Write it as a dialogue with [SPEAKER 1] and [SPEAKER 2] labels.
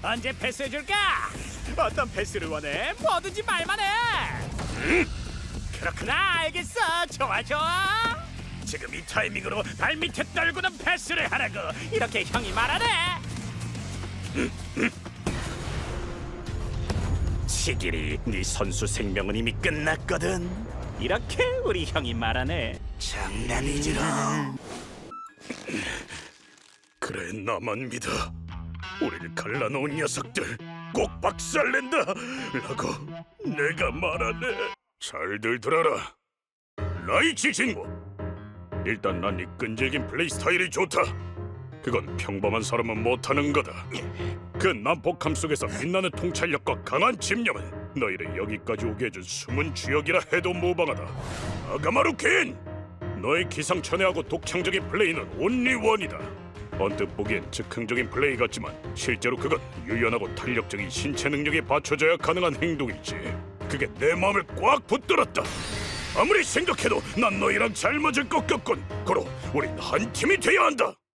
[SPEAKER 1] 언제 패스해줄까? 어떤 패스를 원해? 뭐든지 말만 해. 그렇구나, 알겠어. 좋아 좋아. 지금 이 타이밍으로 발밑에 떨구는 패스를 하라고. 이렇게 형이 말하네. 시길이, 네 선수 생명은 이미 끝났거든. 이렇게 우리 형이 말하네. 장난이지롱.
[SPEAKER 2] 그래, 나만 믿어. 우릴 갈라놓은 녀석들 꼭 박살낸다 라고 내가 말하네. 잘들 들어라. 라이치 친구, 일단 난 이 끈질긴 플레이 스타일이 좋다. 그건 평범한 사람은 못하는 거다. 그 난폭함 속에서 빛나는 통찰력과 강한 집념은 너희를 여기까지 오게 해준 숨은 주역이라 해도 무방하다. 아가마루 퀸! 너의 기상천외하고 독창적인 플레이는 온리원이다. 언뜻 보기엔 즉흥적인 플레이 같지만 실제로 그건 유연하고 탄력적인 신체 능력이 받쳐져야 가능한 행동이지. 그게 내 마음을 꽉 붙들었다. 아무리 생각해도 난 너희랑 잘 맞을 것 같군. 고로 우린 한 팀이 돼야 한다.